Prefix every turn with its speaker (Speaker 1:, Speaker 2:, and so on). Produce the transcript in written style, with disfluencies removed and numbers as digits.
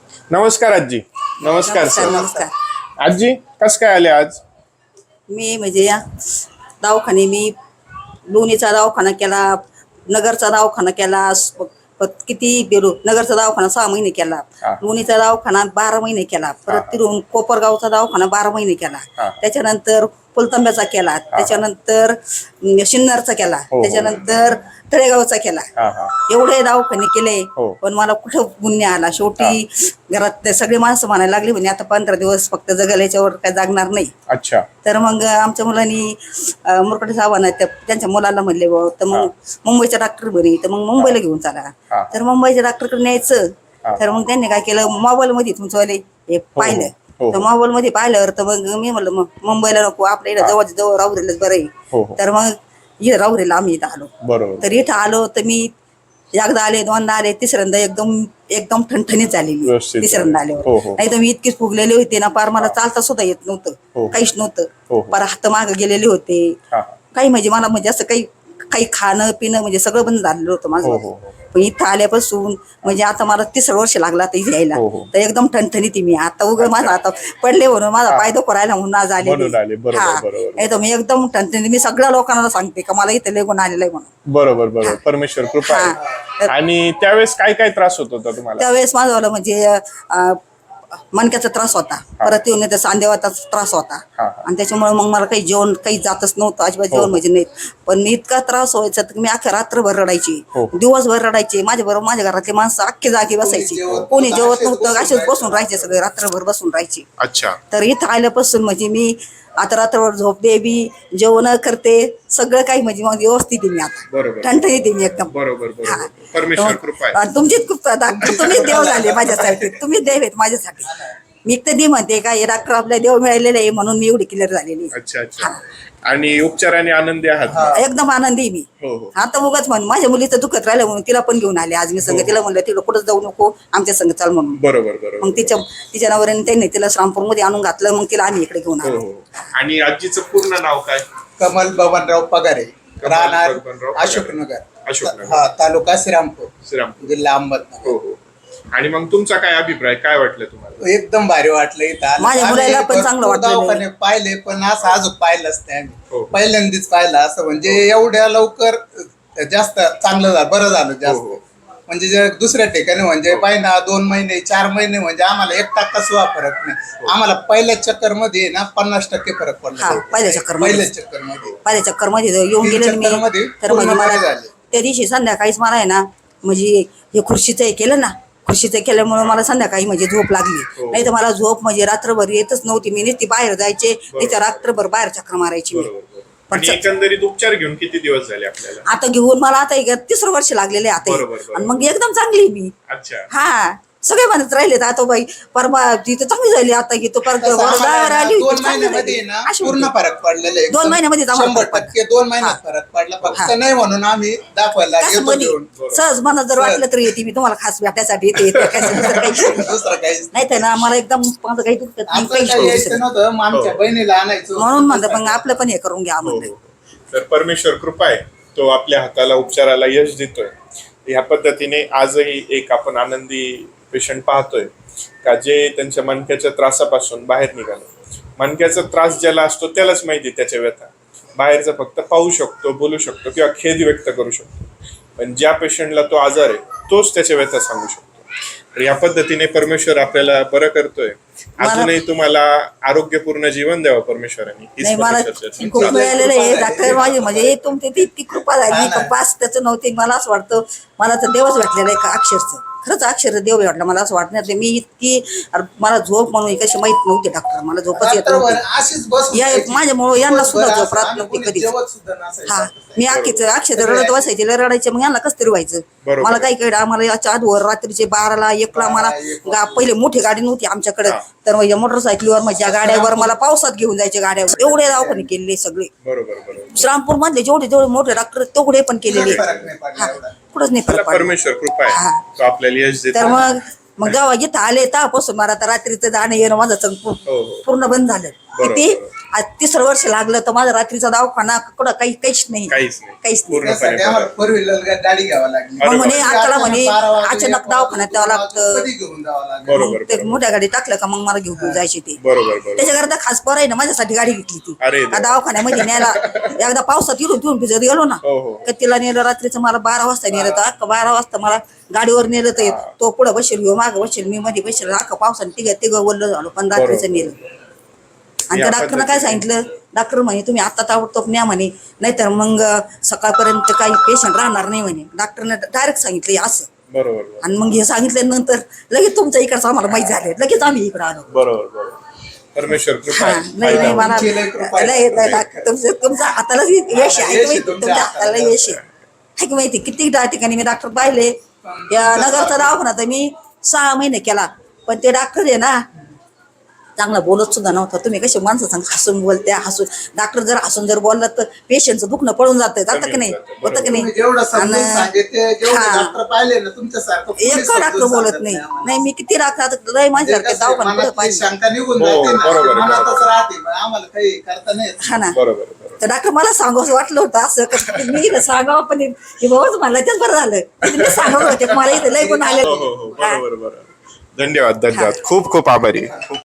Speaker 1: नमस्कार आजी. नमस्कार सर.
Speaker 2: नमस्कार.
Speaker 1: आजी कस काय आले आज?
Speaker 2: मी म्हणजे या दवाखाने मी लोणीचा दवाखाना केला, नगरचा दवाखाना केला, किती बेलो नगरचा दवाखाना 6 महिने केला,
Speaker 1: हा.
Speaker 2: लोणीचा दवाखाना 12 महिने केला, परत तिथून कोपरगावचा दवाखाना 12 महिने केला,
Speaker 1: हा.
Speaker 2: त्याच्यानंतर पुलतांब्याचा केला, त्याच्यानंतर शिन्नरचा केला,
Speaker 1: हो.
Speaker 2: त्याच्यानंतर तळेगावचा केला. एवढे दवाखाने केले
Speaker 1: हो.
Speaker 2: पण मला कुठं गुन्हे आला. शेवटी घरात सगळे माणसं म्हणायला लागली म्हणजे आता 15 दिवस फक्त जगल, याच्यावर काय जागणार नाही.
Speaker 1: अच्छा.
Speaker 2: तर मग आमच्या मुलांनी मुरकडे साहेबांना त्यांच्या मुलाला म्हणले तर मग मुंबईच्या डॉक्टर बरी, तर मग मुंबईला घेऊन चला. तर मुंबईच्या डॉक्टरकडे न्यायचं. तर मग त्यांनी काय केलं, मोबाईल मध्ये तुमचं हे पाहिलं. तर मोबाईल मध्ये पाहिल्यावर तर मग मी म्हणलं मग मुंबईला नको, आपल्या इथं जवळ जवळ राहुरीलाच बरं आहे. तर मग इथं राहुरीला आम्ही इथं आलो. तर इथं आलो तर मी एकदा आले, दोनदा आले, तिसऱ्यांदा एकदम एकदम ठणठणीत झालेली तिसऱ्यांदा आल्यावर. नाही तर मी इतकीच फुगलेले होते ना, पार मला चालता सुद्धा येत नव्हतं, काहीच नव्हतं. पार हात माग गेलेले होते. काही म्हणजे मला म्हणजे असं काही खाणं पिणं म्हणजे सगळं बंद झालेलं होतं माझं. पण इथं आल्यापासून म्हणजे आता मला 3 वर्ष लागला आता इथे यायला. तर एकदम ठणठणीत मी आता माझा आता पडले म्हणून माझा पाय दुखू राहिला म्हणून आज आले. एकदम मी एकदम ठणठणीत मी सगळ्या लोकांना सांगते का मला इथे लेगून आलेलं आहे म्हणून.
Speaker 1: बरोबर. परमेश्वर कृपा आहे. आणि त्यावेळेस काय काय त्रास होत होता तुम्हाला?
Speaker 2: त्यावेळेस माझा म्हणजे मणक्याचा त्रास होता, परत येऊन येते सांधेवाचा त्रास होता, आणि त्याच्यामुळे मग मला काही जेवण काही जातच नव्हतं अजिबात. जेवण म्हणजे नाही. पण इतका त्रास व्हायचा तर मी अख्ख्या रात्रभर रडायची, दिवसभर रडायची. माझ्या बरोबर माझ्या घरातले माणसं अख्खी जागी बसायची, कोणी जेवत नव्हतं, असेच बसून राहायचे, सगळे रात्रभर बसून राहायचे.
Speaker 1: अच्छा.
Speaker 2: तर इथं आल्यापासून म्हणजे मी आता रात्रभर झोपते बी, जेवण करते, सगळं काही म्हणजे मग व्यवस्थित आहे मी आता, ठणठणीत आहे मी एकदम.
Speaker 1: परमेश्वर कृपा आहे.
Speaker 2: तुमचीच खूप डॉक्टर तुम्हीच देव झाले माझ्यासाठी, तुम्हीच देव आहेत माझ्यासाठी. मी कधी म्हणते का हे डॉक्टर आपल्या देव मिळालेले आहे म्हणून मी एवढी क्लिअर झालेली.
Speaker 1: अच्छा. आणि उपचाराने आनंदी आहात?
Speaker 2: एकदम आनंदी मी. आता उगाच म्हण माझ्या मुलीचं दुखत राहिलं म्हणून तिला पण घेऊन आले आज मी संग. तिला म्हणलं तिला कुठं जाऊ नको, आमच्या संग चाल म्हणून.
Speaker 1: बरोबर.
Speaker 2: मग तिच्या नवऱ्याने त्यांनी तिला श्रामपूर मध्ये आणून घातलं, मग तिला आम्ही इकडे घेऊन आलो.
Speaker 1: आणि आजीचं पूर्ण नाव काय?
Speaker 3: कमल बबनराव पगारे, राहणार अशोकनगर, तालुका श्रीरामपूर, जिल्हा अहमदनगर.
Speaker 1: आणि मग तुमचा काय अभिप्राय, काय वाटलं तुम्हाला?
Speaker 3: एकदम भारी वाटलं इथं.
Speaker 2: माझ्या मुलाला पण चांगलं वाटलं.
Speaker 3: पाहिले पण असं अजून पाहिलंच नाही आम्ही, पहिल्यांदाच पाहिलं असं. म्हणजे एवढ्या लवकर जास्त चांगलं झालं, बरं झालं जास्त. म्हणजे दुसऱ्या ठिकाणी म्हणजे महिना 2 महिने 4 महिने म्हणजे आम्हाला 1% सुद्धा फरक नाही. आम्हाला पहिल्या चक्कर मध्ये ना 50% फरक पडला. पहिल्या
Speaker 2: चक्कर मध्ये येऊन गेले मी. तर म्हणजे मला त्या दिवशी संध्याकाळीच मला आहे ना, म्हणजे हे खुर्शीचं हे केलं ना, खुर्शीचं केल्यामुळे मला संध्याकाळी म्हणजे झोप लागली. नाही तर मला झोप म्हणजे रात्रभर येतच नव्हती. मी नुसती बाहेर जायचे, तिथे रात्रभर बाहेर चक्कर मारायची मी.
Speaker 1: पण एकंदरीत उपचार घेऊन किती दिवस झाले आपल्याला?
Speaker 2: आता घेऊन मला आता 3 वर्ष लागलेले आता. आणि मग एकदम चांगली मी.
Speaker 1: अच्छा.
Speaker 2: हा सगळे म्हणत राहिले आता बाई परवा तिथं चांगली झाली, आता की तो परत
Speaker 3: 2 महिन्यामध्ये पूर्ण फरक पडलेला आहे.
Speaker 2: 2 महिन्यामध्ये
Speaker 3: 100% 2 महिन्यात फरक पडला. फक्त नाही म्हणून आम्ही दाखवायला
Speaker 2: सहज मला जर वाटलं तर येते मी तुम्हाला खास भेटायसाठी येते.
Speaker 3: दुसरं काहीच
Speaker 2: नाही तर ना मला एकदम माझं काही दुखत नाही,
Speaker 3: नव्हतं. आमच्या बहिणीला आणायचं
Speaker 2: म्हणून म्हणलं मग आपलं पण हे करून घ्या म्हणलं.
Speaker 1: तर परमेश्वर कृपा आहे, तो आपल्या हाताला उपचाराला यश देतोय. ह्या पद्धतीने आजही एक आपण आनंदी पेशंट पाहतोय का जे त्यांच्या मणक्याच्या त्रासापासून बाहेर निघाले. मणक्याचा त्रास ज्याला असतो त्यालाच माहिती त्याच्या व्यथा. बाहेरचा फक्त पाहू शकतो, बोलू शकतो किंवा खेद व्यक्त करू शकतो, पण ज्या पेशंटला तो आजार आहे तोच त्याच्या व्यथा सांगू शकतो. तर या पद्धतीने परमेश्वर आपल्याला बरं करतोय. अजूनही तुम्हाला आरोग्यपूर्ण जीवन द्यावं परमेश्वरांनी.
Speaker 2: मला खूप मिळालेलं आहे डॉक्टर माझे, म्हणजे तुमची ती इतकी कृपा झाली का पास त्याचं नव्हते. मला असं वाटतं मला तर देवच भेटलेलं आहे का अक्षरचं, खरंच अक्षर देव भेटला. मला असं वाटणार नाही मी इतकी मला झोप म्हणून कशी माहित नव्हती डॉक्टर, मला झोपच येत नव्हती. माझ्यामुळे यांना सुद्धा झोप राहत नव्हती कधी. हा मी अक्षर रडत बसायचे, रडायचे, मग यांना कसं तरी व्हायचं. मला काही कळलं. आम्हाला याच्या आधीवर रात्रीचे 12ला 1ला मला पहिले मोठी गाडी नव्हती आमच्याकडे, तर माझ्या मोटरसायकलीवर माझ्या गाड्यावर मला पावसात घेऊन जायचे गाड्यावर. एवढे दवाखाने केलेले सगळे श्रामपूर मधले जेवढे मोठे डॉक्टर तेवढे पण केलेले. कुठंच नाही फरक.
Speaker 1: परमेश्वर कृपा आहे, तो आपल्याला यश देतो.
Speaker 2: तर मग जेव्हा इथं आले तेव्हापासून मला तर रात्रीचं जाणं येणं माझं पूर्ण बंद झालं. किती आज 3रं वर्ष लागलं तर माझा रात्रीचा दवाखाना कुठं काहीच नाही.
Speaker 1: काहीच नाही.
Speaker 2: नाही.
Speaker 3: त्यासाठी आम्हाला 4 व्हीलर गाडी घ्यावी लागली.
Speaker 2: मग म्हणे
Speaker 1: बरोबर.
Speaker 2: आताला म्हणे
Speaker 3: 12 वाजता
Speaker 2: अचानक दवाखान्यात द्यावं लागतं.
Speaker 3: कधी घेऊन जावं लागलं.
Speaker 1: बरोबर,
Speaker 2: मग ते मोठ्या गाडी टाकलं का मग मला घेऊन जायचे ते.
Speaker 1: बरोबर.
Speaker 2: त्याच्याकरता खास पोर आहे ना माझ्यासाठी गाडी घेतली ती.
Speaker 1: अरे
Speaker 2: का दवाखान्यामध्ये न्यायला एकदा पावसात इरून भिजत गेलो ना
Speaker 1: हो.
Speaker 2: का तिला नेलं रात्रीचं मला 12 वाजता नेलं तर अख्खा 12 वाजता मला गाडीवर नेलं तर तो पुढे बसेल घेऊ मागं बसेल मी मध्ये बसेल अख्खा पावसाने तिघ वल्ल झालो पण रात्रीचं नेलं. आणि त्या डॉक्टरनं काय सांगितलं डॉक्टर म्हणे तुम्ही आता ताबडतोब न्या म्हणे नाहीतर मग सकाळपर्यंत काही पेशंट राहणार नाही म्हणे. डॉक्टरनं डायरेक्ट सांगितलं असं.
Speaker 1: बरोबर.
Speaker 2: आणि मग हे सांगितल्यानंतर लगेच तुमच्या इकडचं आम्हाला माहित झालं लगेच आम्ही इकडे आलो.
Speaker 1: बरोबर. परमेश्वर कृपा
Speaker 2: हा,
Speaker 1: आहे.
Speaker 2: नाही मला
Speaker 3: तुमची लय कृपा आहे.
Speaker 2: तुमच्या हाताला यश आहे
Speaker 3: यश आहे
Speaker 2: माहिती,
Speaker 3: तुमच्या
Speaker 2: तुमच्या हाताला
Speaker 3: हाताला.
Speaker 2: यश आहे की माहिती. किती ठिकाणी मी डॉक्टर पाहिले या नगरचा दवाखाना तर मी 6 महिने केला पण ते डॉक्टर आहे ना चांगला बोलत सुद्धा नव्हता. तुम्ही कसे माणसं सांग हसून बोलत्या हसून डॉक्टर जर हसून जर बोलला तर पेशंटचं दुखणं पळून जातं जातं की नाही होतं की
Speaker 3: तुम्ही
Speaker 2: नाही.
Speaker 3: जेवढं समजून
Speaker 2: आणि
Speaker 3: सांगितले जेवढे
Speaker 2: हा.
Speaker 3: डॉक्टर पाहिले ना तुमच्यासारखं कोणी
Speaker 2: एक डॉक्टर
Speaker 3: समजून
Speaker 2: बोलत
Speaker 3: सांगत
Speaker 2: नाही
Speaker 3: आम्हाला.
Speaker 2: नाही मी किती डॉक्टर लय माझ्यासारखे
Speaker 3: म्हणजे कसं आहे,
Speaker 2: दवाखाना
Speaker 3: मनातली
Speaker 2: पाहिजे.
Speaker 3: शंका निघून
Speaker 1: हो,
Speaker 3: जाते ना
Speaker 1: बरोबर,
Speaker 3: ती मनातच
Speaker 1: बरोबर.
Speaker 3: राहते मग आम्हाला काही करता नाही येत.
Speaker 2: हा ना
Speaker 1: बरोबर.
Speaker 2: तर डॉक्टर मला सांगावं वाटलं होतं असं कसं मी इथं सांगावं पण हे बाबाच मला तेच बरं झालं मी सांगावं होते मला इथं लय पण आले.
Speaker 1: हो. बरोबर. धन्यवाद. खूप खूप आभारी.